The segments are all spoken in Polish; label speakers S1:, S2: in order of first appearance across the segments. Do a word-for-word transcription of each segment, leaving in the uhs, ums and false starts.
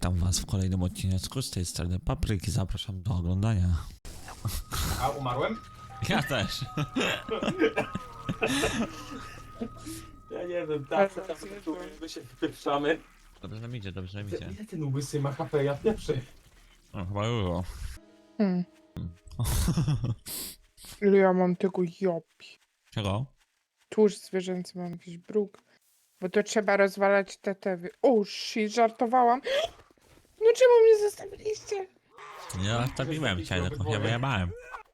S1: Witam was w kolejnym odcinku z tej strony Papryki. Zapraszam do oglądania.
S2: A umarłem?
S1: Ja też.
S2: Ja nie wiem, tak, tak, tak, tu my się wypieprzamy.
S1: Dobrze nam idzie, dobrze nam idzie.
S2: Ile ten łysy ma H P, ja pierwszy.
S1: No, chyba było.
S3: Hmm. Ile ja mam tego jopi?
S1: Czego?
S3: Tłuszcz zwierzęcy, mam jakiś bruk. Bo to trzeba rozwalać te tewy. O, shit, żartowałam. No czemu mnie zostawiliście?
S1: Ja stawiłem cię, tylko się wyjebałem.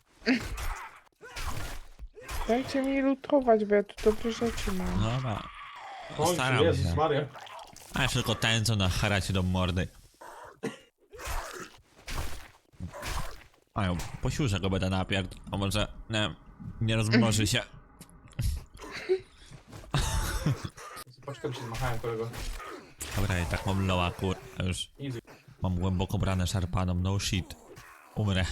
S3: Dajcie mi lutować, bo ja tu dobre rzeczy mam.
S1: No dobra.
S2: Kończy,
S1: Staram
S2: Jezus
S1: się.
S2: Maria.
S1: A jeszcze tylko ten, co nacharacie do mordy. Mają, posiurzę go będę napierd. A może nie, nie rozmnoży się.
S2: Paczkę się zmachałem, kolego.
S1: Dobra, i tak mam loa, kur... a już
S2: Easy.
S1: mam głęboko brane szarpaną, no shit. Umrę.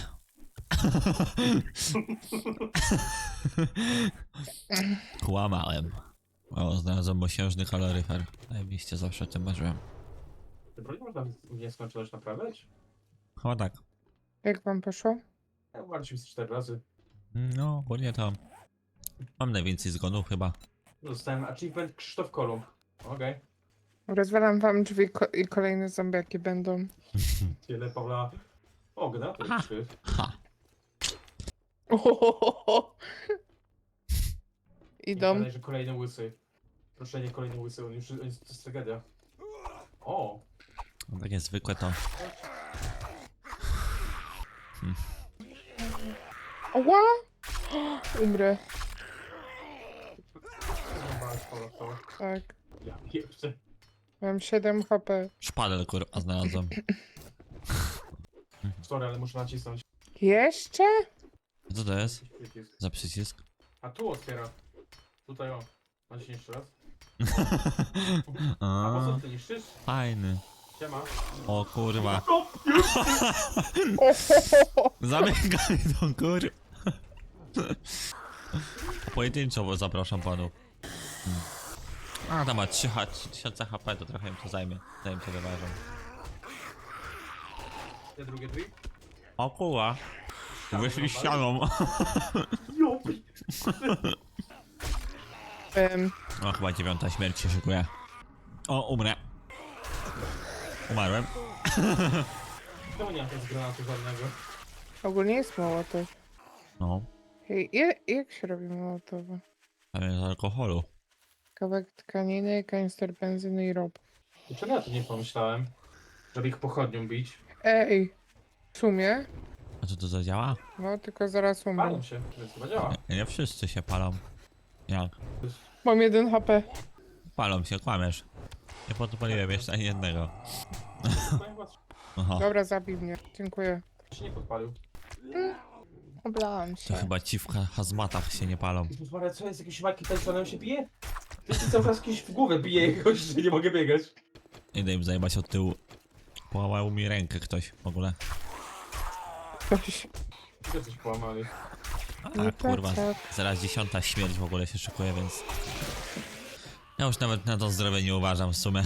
S1: Kłamałem. O, znalazłem mosiężny kaloryfer. Najbliżej zawsze o tym marzyłem.
S2: Ty broń można w nieskończoność naprawiać?
S1: Chyba tak.
S3: Jak wam poszło?
S2: Ja umarłem z cztery razy.
S1: No, ogólnie to... Mam najwięcej zgonów chyba.
S2: Dostałem achievement Krzysztof Kolumb. Okej.
S3: Rozwalam wam drzwi ko i kolejne zombiaki będą.
S2: Tyle Pawła ognia, to
S1: Aha.
S2: jest trzy.
S1: Ha!
S3: Ohohoho.
S2: Nie
S3: Idą.
S2: gadaj, że kolejny łysy. Proszę, nie kolejny łysy, on już on jest, to jest tragedia. O!
S1: No, takie zwykłe to...
S3: Ała! Umrę.
S2: Zobacz, Pawła, to.
S3: Tak.
S2: Ja pierwszy.
S3: Mam siedem H P.
S1: Szpadel, kurwa, znalazłem.
S2: Sorry, ale muszę nacisnąć.
S3: Jeszcze?
S1: Co to jest?
S2: Jakiś przycisk.
S1: Za przycisk?
S2: A tu otwiera. Tutaj o. Naciśnij jeszcze raz. A po
S1: A,
S2: co ty niszczysz?
S1: fajny.
S2: Siema.
S1: O kurwa.
S2: O, już!
S3: Ohohoho.
S1: Zamykaj tą kur... Pojedynczo, bo zapraszam panów. Hmm. A, tam ma trzy tysiące H P, to trochę im to zajmie. Zanim to wyważą.
S2: Te drugie drzwi?
S1: O kurwa. Wyszli ścianą.
S2: Jopi!
S3: Em,
S1: O, chyba dziewiąta śmierć się szykuje. O, umrę. Umarłem.
S2: Czemu nie mam tego z granatu żadnego?
S3: ogólnie jest mołotow.
S1: No,
S3: Hej, je, jak się robi mołotowa?
S1: ale z alkoholu.
S3: Kawałek tkaniny, kanister benzyny i rob.
S2: Dlaczego ja tu nie pomyślałem? Żeby ich pochodnią bić.
S3: Ej, w sumie?
S1: A co to zadziała?
S3: No, tylko zaraz umrę.
S2: Palą się, więc chyba działa.
S1: Nie, nie wszyscy się palą. Jak?
S3: Mam jeden H P.
S1: Palą się, kłamiesz. Nie podpaliłem jeszcze ani jednego. Aha,
S3: Dobra, zabij mnie. Dziękuję.
S2: się nie podpalił.
S3: Oblałam
S1: to
S3: się.
S1: chyba ci w ha- hazmatach się nie palą.
S2: Jezus Maria, co jest? Jakiś Mike Tysonem się bije? Ty się cały czas kimś w głowę bije jakoś, że nie mogę biegać.
S1: Idę im zajebać od tyłu. Połamał mi rękę ktoś w ogóle.
S3: Ktoś.
S2: Gdzie coś połamali?
S1: A
S3: Nie
S1: kurwa,
S3: tak.
S1: zaraz dziesiąta śmierć w ogóle się szykuje, więc... Ja już nawet na to zdrowie nie uważam w sumie.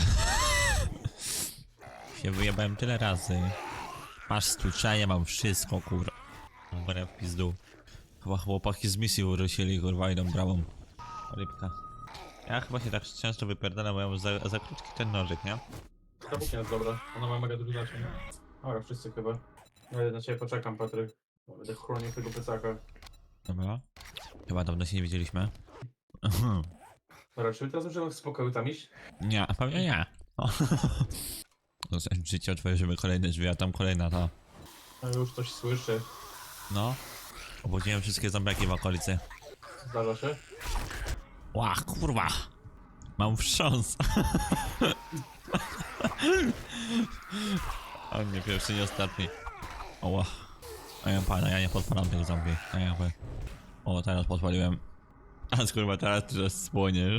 S1: Się wyjebałem tyle razy. Masz stłuczenie, mam wszystko, kurwa. Wbrew w pizdu. Chyba chłopaki z misji wrócili, kurwa, idą bramą. Rybka. Ja chyba się tak często wypierdalam, bo ja mam za, za krótki ten nożyk, nie?
S2: Ta buknia jest dobra, ona ma mega duży znaczenie. Dobra, wszyscy chyba. Ja na ciebie poczekam, Patryk. Będę chronił tego plecaka.
S1: Dobra. Chyba dawno się nie widzieliśmy.
S2: Dobra, czy my teraz możemy w spokoju tam iść?
S1: Nie, pewnie nie. O. No, życie otworzymy kolejne drzwi, a tam kolejna ta.
S2: No już coś słyszę.
S1: No. Obudziłem wszystkie zombiaki w okolicy.
S2: Zdarza się?
S1: Ła, kurwa! Mam wstrząs. A nie pierwszy, nie ostatni. Oła. A ja pana, ja nie podpalam tych zombie. A ja wy. O, teraz podpaliłem. A kurwa, teraz ty spłoniesz.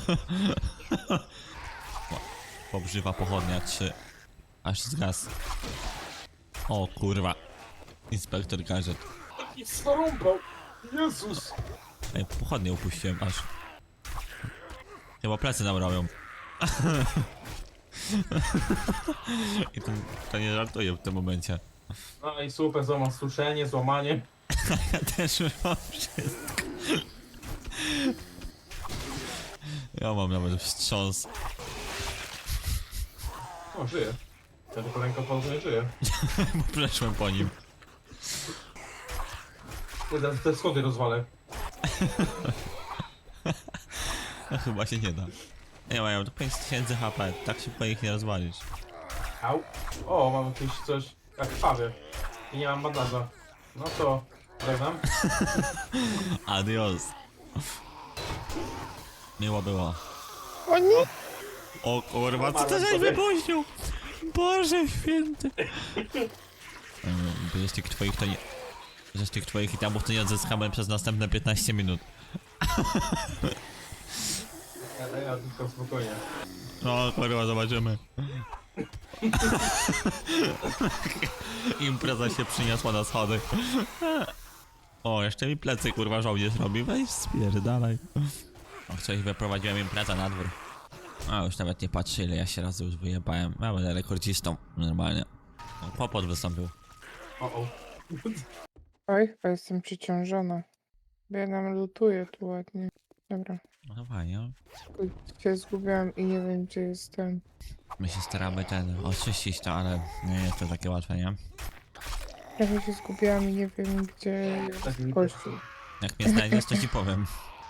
S1: Pobrzywa pochodnia, trzy. Aż zgas. O kurwa. Inspektor gadżet.
S2: I zarąbał! Jezus!
S1: Ej, pochodnie upuściłem aż. Chyba plecy nam robią. I to, to nie żartuję w tym momencie.
S2: No i super, złama suszenie, złamanie.
S1: Ja też już mam wszystko. Ja mam nawet wstrząs.
S2: O, żyje. Ja tylko ręką palcem nie żyje.
S1: Bo przeszłem po nim.
S2: Kurde, te schody rozwalę.
S1: No chyba się nie da. Nie mają to pięć tysięcy H P, tak szybko ich nie rozwalisz.
S2: Au. O, mam jakieś coś jak krwawie. I nie mam bandaża. No to, żegnam.
S1: Adios. Miło było.
S3: O nie!
S1: O kurwa, co to żeś wypuścił? Boże święty. Bo z tych twoich to nie... Że z tych twoich itemów to nie odzyskamy przez następne piętnaście minut.
S2: Ja, ja tylko spokojnie.
S1: No kurwa, zobaczymy. Impreza się przyniosła na schody. O, jeszcze mi plecy kurwa żołnierz robi. Weź spierdalaj. O, coś wyprowadziłem imprezę na dwór. A już nawet nie patrzy, ile ja się razy już wyjebałem. Ja będę rekordzistą, normalnie. O, Popot wystąpił.
S2: O, o.
S3: Oj, chyba jestem przeciążona. Bo ja nam lutuję tu ładnie. Dobra.
S1: No fajnie.
S3: Uj, się zgubiłam i nie wiem, gdzie jestem.
S1: My się staramy ten oczyścić to, ale nie jest to takie łatwe, nie?
S3: Trochę się zgubiłam i nie wiem, gdzie
S2: Tak mi
S3: jest kościół.
S1: Jak mnie znajdziesz, to ci powiem.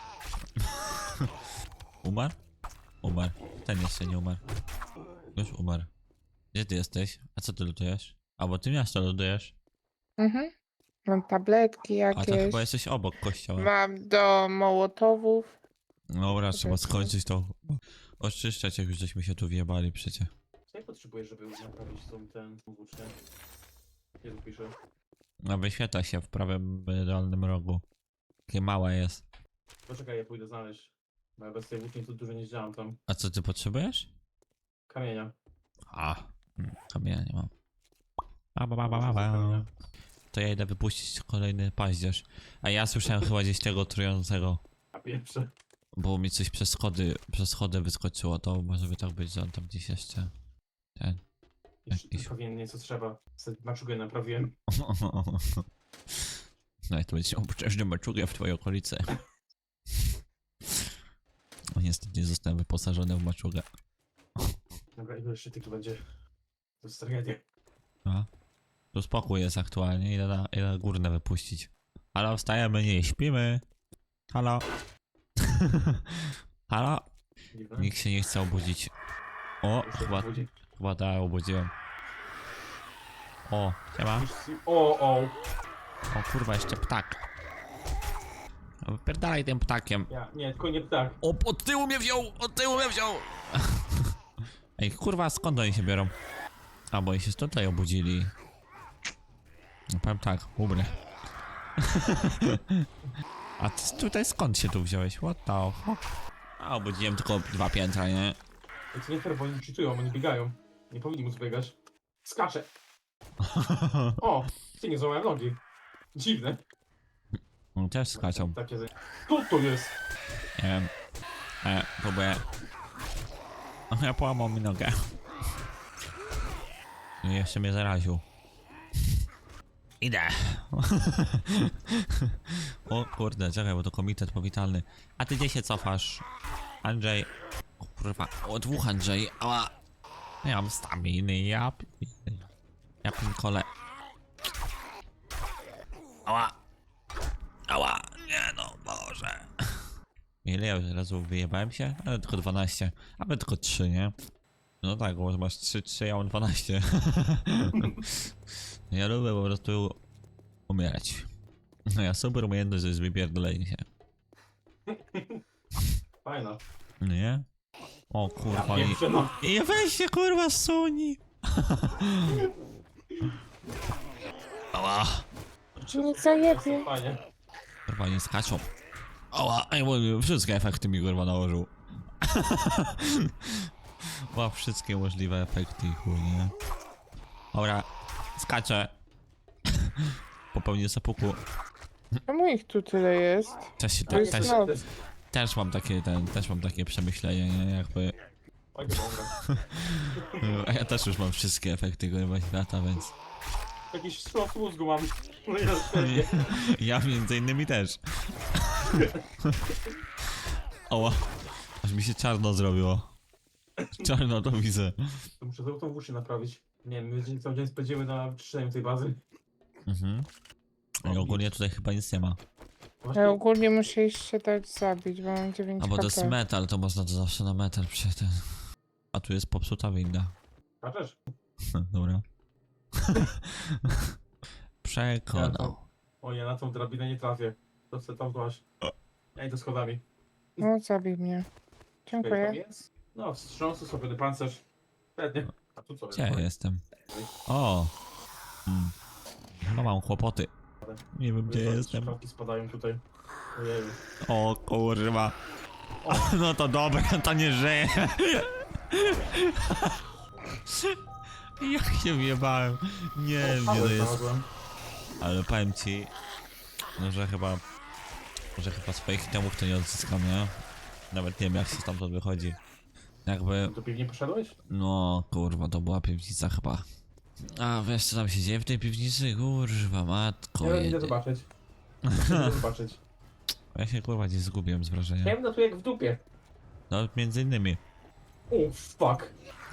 S1: Umarł? Umarł. Ten jeszcze nie umarł. Już umarł. Gdzie ty jesteś? A co ty lutujesz? A bo ty miasto lutujesz.
S3: Mhm. Mam tabletki
S1: A to
S3: jakieś.
S1: chyba jesteś obok kościoła.
S3: Mam do mołotowów.
S1: Dobra, trzeba
S3: Powiedzmy.
S1: skończyć to. Oczyszczać, jak już żeśmy się tu wjebali przecie.
S2: Co ja potrzebuję, żeby naprawić tą, ten włócznię? Nie tu piszę.
S1: No wyświetla się w prawym y, dolnym rogu. Takie małe jest.
S2: Poczekaj, ja pójdę znaleźć. Bo ja bez tej włóczni to dużo nie zdziałam tam.
S1: A co ty potrzebujesz?
S2: Kamienia.
S1: A, hmm, kamienia nie mam. Ba, ba, ba, ba, ba, ba. To ja idę wypuścić kolejny paździerz. A ja słyszałem chyba gdzieś tego trującego.
S2: A pierwsze.
S1: Bo mi coś przez schody, przez schody wyskoczyło, to może by tak być, że on tam gdzieś jeszcze... Ten...
S2: Jeszcze
S1: Jakiś-
S2: Naprawiłem nie co trzeba. Sobie maczugę naprawiłem.
S1: No i to będzie obszerny maczugę w twojej okolicy. O, niestety nie zostałem wyposażony w maczugę.
S2: Dobra, ile jeszcze tych tu będzie? To jest tragedia.
S1: A? Tu spokój jest aktualnie, idę na, idę na górne wypuścić. Halo, wstajemy, nie śpimy. Halo. Halo.
S2: Dziwne.
S1: Nikt się nie chce obudzić. O,
S2: Już się
S1: chyba,
S2: budzi.
S1: chyba tak, obudziłem. O, siema.
S2: O, o.
S1: O kurwa, jeszcze ptak. No, wypierdalaj tym ptakiem.
S2: Ja, nie, tylko nie ptak.
S1: O, od tyłu mnie wziął! Od tyłu mnie wziął! Ej, kurwa, skąd oni się biorą? A, bo oni się tutaj obudzili. No, powiem tak, ubry. A ty tutaj skąd się tu wziąłeś? What the fuck? A, obudziłem tylko dwa piętra, nie?
S2: I to nie fair, bo oni cheatują, oni biegają. Nie powinni móc biegać. Skacze. O, ty nie złamałem nogi. Dziwne.
S1: On też skaczą.
S2: Takie ze... Co to jest?
S1: Nie wiem. E, próbuję. O, ja połamał mi nogę. I jeszcze mnie zaraził. Idę. O kurde, czekaj, bo to komitet powitalny. A ty gdzie się cofasz? Andrzej. O kurwa, o dwóch Andrzej. Ała. Ja mam staminy, ja pi- Ja pinkole. Ała. Ała. Nie no, Boże. Ile ja już razu wyjebałem się? Ale tylko dwanaście. A my tylko trzy, nie? No tak, bo masz trzy, trzy, ja mam dwanaście. Ja lubię po prostu umierać. No ja super umiejętność, że jest wypierdolenie się.
S2: Fajna.
S1: Nie? O kurwa,
S2: Ja
S1: i...
S2: pierwsze, no.
S1: I weź się kurwa suni! Ała!
S3: Nie zajebie.
S2: Fajnie.
S1: Kurwa, nie skaczą. Ała, ej, bo wszystkie efekty mi kurwa nałożył. Ma wszystkie możliwe efekty, chuj, nie? Dobra, skaczę. Popełnię zapuku.
S3: Czemu ich tu tyle jest?
S1: Też, się,
S3: To
S1: te,
S3: jest
S1: też,
S3: noc.
S1: też mam takie, ten, też mam takie przemyślenie, nie? Jakby...
S2: Oj, dobra.
S1: A ja też już mam wszystkie efekty kurwa świata, więc...
S2: Jakiś wstrząs mózgu mam. No ja pewnie.
S1: Ja między innymi też. Oła. Aż mi się czarno zrobiło. Czarno to widzę.
S2: To muszę znowu tą w uszy naprawić. Nie wiem, my dzień- cały dzień spędzimy na czyszczeniu tej bazy.
S1: Mhm. I ogólnie tutaj chyba nic nie ma.
S2: Właśnie,
S3: Ja ogólnie muszę jeszcze się dać zabić, bo mam dziewięć
S1: A bo to jest
S3: H P.
S1: metal, to można to zawsze na metal przejść. A tu jest popsuta winda.
S2: Kaczesz?
S1: Dobra.
S2: Ja
S1: Przekonał.
S2: to- O, ja na tą drabinę nie trafię. To chcę tam złaś. Ja idę schodami.
S3: No, zabij mnie.
S2: Czekaj, tam
S3: Dziękuję.
S2: jest? No, wstrząsy sobie pancerz. Pewnie. A tu co
S1: Gdzie
S2: jest?
S1: ja jestem? O! Hmm. No mam kłopoty. Nie wiem gdzie
S2: Wiesz,
S1: jestem.
S2: Szkawki spadają tutaj. Ojeju.
S1: O kurwa. No to dobra, to nie żyje. Jak się wjebałem. Nie wiem gdzie to jest.
S2: Znalazłem.
S1: Ale powiem ci, no, że chyba, że chyba swoich itemów to nie odzyskam, nie? Nawet nie wiem jak się stamtąd wychodzi. Jakby,
S2: Do piwni poszedłeś?
S1: no kurwa, to była piwnica chyba. A wiesz co tam się dzieje w tej piwnicy? Kurwa, matko
S2: Ja idę
S1: jedzie.
S2: zobaczyć. Idę zobaczyć.
S1: Ja się kurwa gdzieś zgubiłem z
S2: Ja
S1: wrażenia.
S2: wiem, tu jak w dupie.
S1: No między innymi.
S2: O, fuck.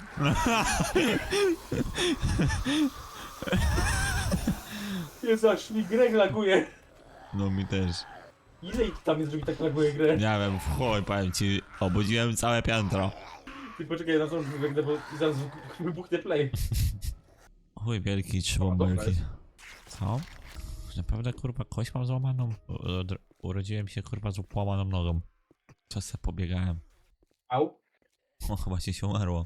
S2: Jezu, aż mi grę laguje.
S1: No mi też.
S2: Ile ich tam jest, żeby tak laguje grę?
S1: Nie wiem, w chuj, powiem ci, obudziłem całe piętro.
S2: Ty poczekaj, na co wygnę, bo zaraz wybuchnie play.
S1: Chuj wielki, trzymam
S2: O, dobra
S1: wielki.
S2: jest.
S1: Co? Naprawdę kurwa kość mam złamaną? U- od- Urodziłem się kurwa z połamaną nogą. Co se pobiegałem?
S2: Au.
S1: O, chyba ci się umarło.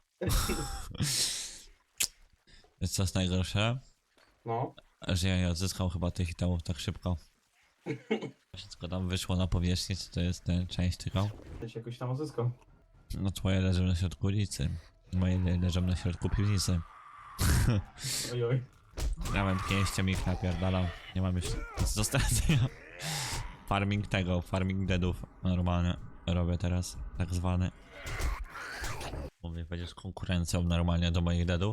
S1: Jest co jest najgorsze?
S2: No.
S1: Że ja nie odzyskam chyba tych itemów tak szybko. Wszystko tam wyszło na powierzchnię, czy to jest ten część tylko?
S2: Ja się jakoś tam odzyskam.
S1: No twoje leżą na środku ulicy. Moje le- leżą na środku piwnicy.
S2: Oj, oj.
S1: Ja mam pięścią ich napierdalam. Nie mam już nic do stracenia. Farming tego, farming deadów. Normalnie robię teraz, tak zwany. Mówię, będziesz konkurencją normalnie do moich deadów.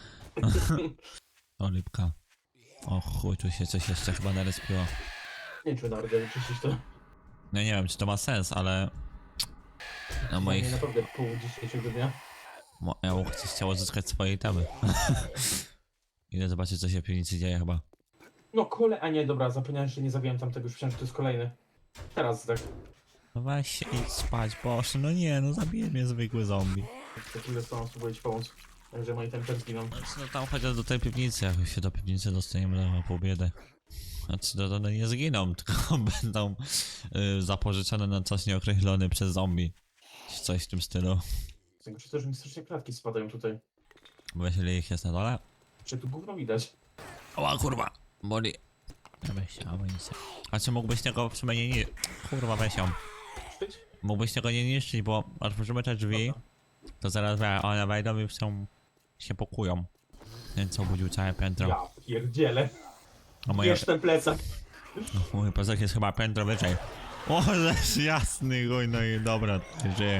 S1: O lipka. O chuj, tu się coś jeszcze chyba narespiło.
S2: Nie wiem, czy nawet nie wyczyścić to.
S1: No nie wiem, czy to ma sens, ale... Na
S2: Nie,
S1: moich...
S2: naprawdę pół dzisiejszego dnia.
S1: Mo- Ja bym chciał odzyskać swoje itemy. Idę zobaczyć, co się w piwnicy dzieje chyba.
S2: No kole, a nie, dobra, zapomniałem, że nie zabiłem tamtego, już myślałem, że to jest kolejny. Teraz tak.
S1: No weź się idź spać, boże, no nie, no zabije mnie zwykły zombie.
S2: Za chwilę z tobą spróbuję ci pomóc. Także moi temper zginą.
S1: Znaczy, no tam chociaż do tej piwnicy, jak się do piwnicy dostaniemy, to ma pół biedy. Znaczy, to, to nie zginą, tylko będą y, zapożyczone na czas nieokreślony przez zombie. Czy coś w tym stylu.
S2: Znaczy to, że mi strasznie klatki spadają tutaj.
S1: Bo wiesz, ile ich jest na dole?
S2: Czy tu gówno widać?
S1: Oła, kurwa, boli. Ja weź się, amunicję. A czy mógłbyś tego przynajmniej nie... Kurwa, weź ją.
S2: Sztyć?
S1: Mógłbyś tego nie niszczyć, bo otworzymy te drzwi,
S2: Dobra.
S1: to zaraz wie, one wejdą i są... się pokują. Ten co obudził całe piętro.
S2: Ja pierdzielę.
S1: A moje...
S2: Bierz ten plecak.
S1: Mój plecak jest chyba piętro wyżej. O, żeś jasny, chuj, no i dobra, żyje.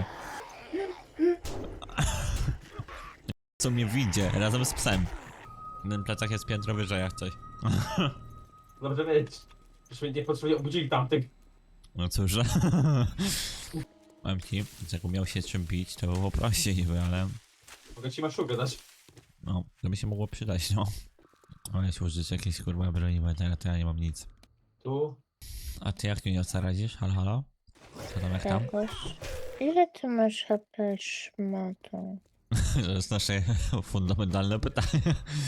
S1: Co mnie widzi, razem z psem. Ten plecak jest piętro wyżej, jak coś.
S2: Dobrze wiedzieć. Żeśmy nie potrzebnie obudzili tamtych.
S1: No cóż, powiem ci, że jakby miał się czym bić, to było prościej niby, ale...
S2: Mogę ci maszugę dać.
S1: No, to by się mogło przydać, no. Ale się użyć jakiejś kurwa broni, bo teraz to ja nie mam nic.
S2: Tu.
S1: A ty jak Juniorca radzisz? Halo, halo? Co tam, jak tam?
S3: Jakoś. Ile ty masz H P, szmato?
S1: To jest nasze fundamentalne pytanie.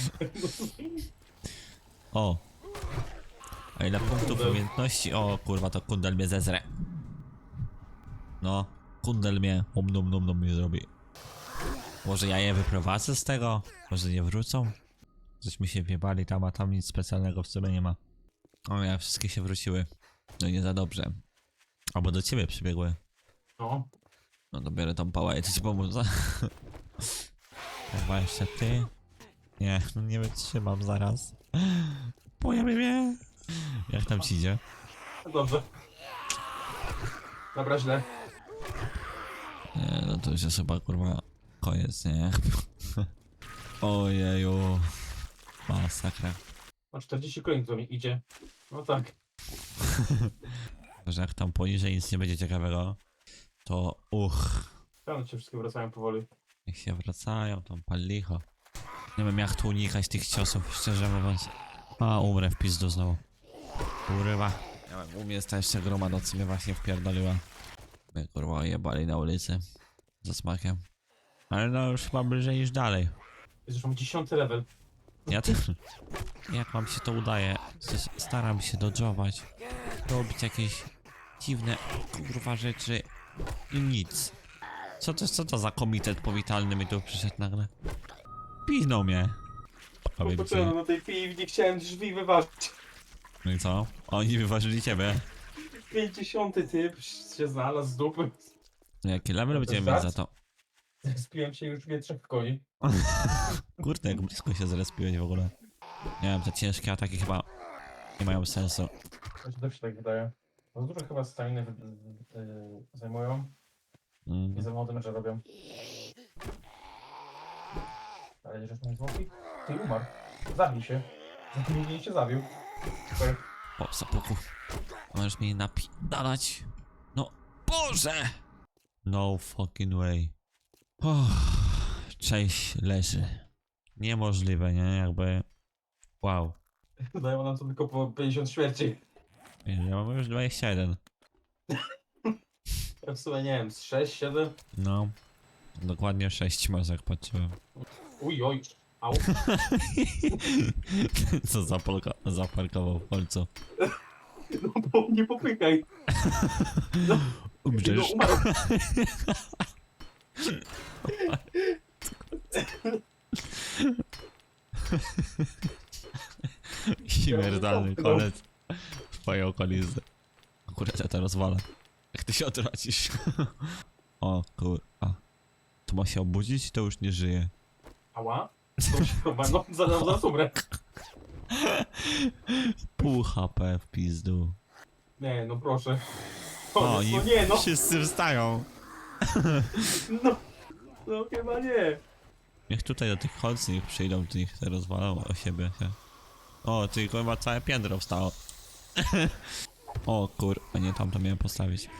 S1: O! A ile punktów
S2: Kundel.
S1: umiejętności? O kurwa, to kundel mnie zezre. No, kundel mnie um dum dum dum mnie zrobi. Może ja je wyprowadzę z tego? Może nie wrócą? Żeśmy się wjebali tam, a tam nic specjalnego w sumie nie ma. O ja, wszystkie się wróciły. No nie za dobrze. Albo do ciebie przybiegły.
S2: No.
S1: No to biorę tą pałę i to ci pomóc. Chyba jeszcze ty? Nie, no nie wytrzymam zaraz. Pojawi mnie. Jak tam ci idzie?
S2: No dobrze. Dobra, źle.
S1: Nie, no to już jest chyba kurwa koniec, nie? Ojeju. Masakra.
S2: Ma czterdzieści kolejnych do mnie idzie. No tak.
S1: Że jak tam poniżej nic nie będzie ciekawego, to uch.
S2: Tam się wszystkie wracają powoli.
S1: Jak się wracają, tam pal licho. Nie wiem jak tu unikać tych ciosów, szczerze mówiąc. A, umrę w pizdu znowu. Urywa. Ja wiem, u mnie jest ta jeszcze gromada, co mnie właśnie wpierdoliła. My kurwa jebali na ulicy. Za smakiem. Ale no już chyba bliżej niż dalej.
S2: Jest już mam dziesiąty level.
S1: Ja też. Jak wam się to udaje? Przecież staram się dodżować. Robić jakieś dziwne kurwa rzeczy. I nic. Co to, co to za komitet powitalny mi tu przyszedł nagle? Piznął mnie. Powiem ci.
S2: Popatrzyłem na tej piwni, chciałem drzwi wyważyć.
S1: No i co? Oni wyważyli ciebie.
S2: pięćdziesiąty typ się znalazł z dupy.
S1: No jaki level
S2: To
S1: będziemy
S2: jest
S1: mieć za
S2: raz?
S1: to?
S2: Spiłem się już wie trzech koni.
S1: Kurde, jak blisko się zrespiłeś w ogóle. Nie wiem, te ciężkie ataki chyba nie mają sensu.
S2: To się też się tak wydaje. Za dużo chyba staminy yy, zajmują.
S1: Mm.
S2: I za mało damage'a robią. Ale żeś mnie złowił? Ty umarł. Zabij się. Zabił się zabił. Super.
S1: O, sapuku. Możesz mnie napidalać. No, Boże! No fucking way. Uff, cześć leży. Niemożliwe, nie? Jakby... Wow.
S2: Dają nam to tylko po pięćdziesiąt śmierci.
S1: Ja mam już dwadzieścia jeden.
S2: Ja w sumie nie wiem, z sześć, siedem?
S1: No. Dokładnie sześć masz, jak patrzyłem.
S2: Uj, oj. Au.
S1: Co zapolka, zaparkował w końcu.
S2: No bo nie popykaj. No, no
S1: Umrzesz.
S2: umarł.
S1: Śmiertelny kolec. W twojej okolicy. Akurat ja to rozwalę. Jak ty się odwracisz. O kurwa. To ma się obudzić i to już nie żyje.
S2: Ała? To się chyba, no zaraz, zaraz umrę.
S1: Pół H P w pizdu.
S2: Nie, no proszę.
S1: O,
S2: Koniec,
S1: i
S2: no nie, no.
S1: wszyscy wstają.
S2: No, no chyba nie.
S1: Niech tutaj do tych chodźcy niech przyjdą, to niech te rozwalą o siebie. Nie? O, tylko chyba całe piętro wstało. O kur... A nie, tam to miałem postawić.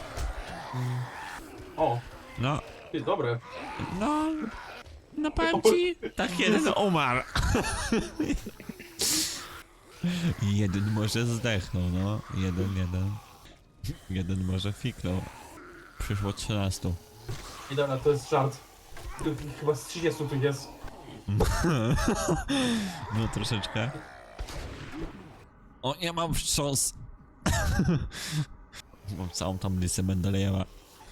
S2: O,
S1: No,
S2: ty, dobre.
S1: no... No powiem ci, tak jeden umarł. Jeden może zdechnął, no. Jeden, jeden. Jeden może fiknął. Przyszło trzynastu.
S2: I dobra, to jest żart. Tu chyba z trzydziestu tu jest.
S1: No troszeczkę. O, nie mam wstrząs. Mam całą tam listę Mendelejewa.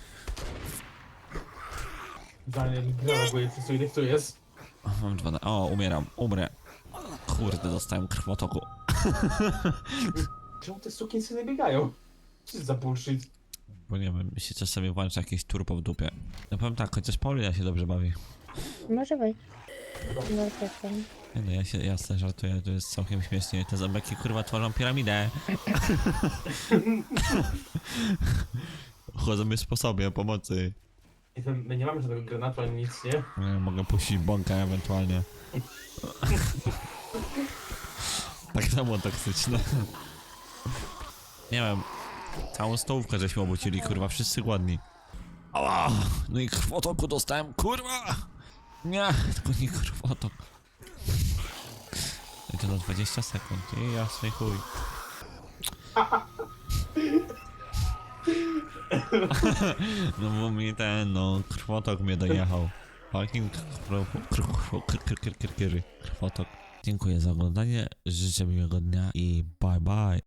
S2: Idealnie mi gra reaguje, przez co ile tu jest.
S1: O, mam dwa na... O, umieram, umrę. Kurde, dostałem krwotoku.
S2: Czemu te sukinsyny biegają? Co jest za bullshit?
S1: Bo nie wiem, mi się czasami włącza jakieś turbo w dupie. Ja powiem tak, chociaż Paulina się dobrze bawi.
S3: Może wejść. No tak tam.
S1: Nie no, ja się jasne żartuję, to jest całkiem śmiesznie. Te zębeki kurwa tworzą piramidę. Chodzą mi sposobie pomocy.
S2: I to my nie mamy żadnego granatu ani nic, nie?
S1: Nie, mogę puścić bąka ewentualnie. Tak samo toksyczne. Nie wiem. Całą stołówkę żeśmy obucili, kurwa, wszyscy głodni. Ała! No i krwotoku dostałem, kurwa! Nie, tylko nie krwotok. I to na dwadzieścia sekund, i jasny chuj. No bo mi ten, no, krwotok mnie dojechał. Fucking krwotok. Dziękuję za oglądanie, życzę miłego dnia i bye bye.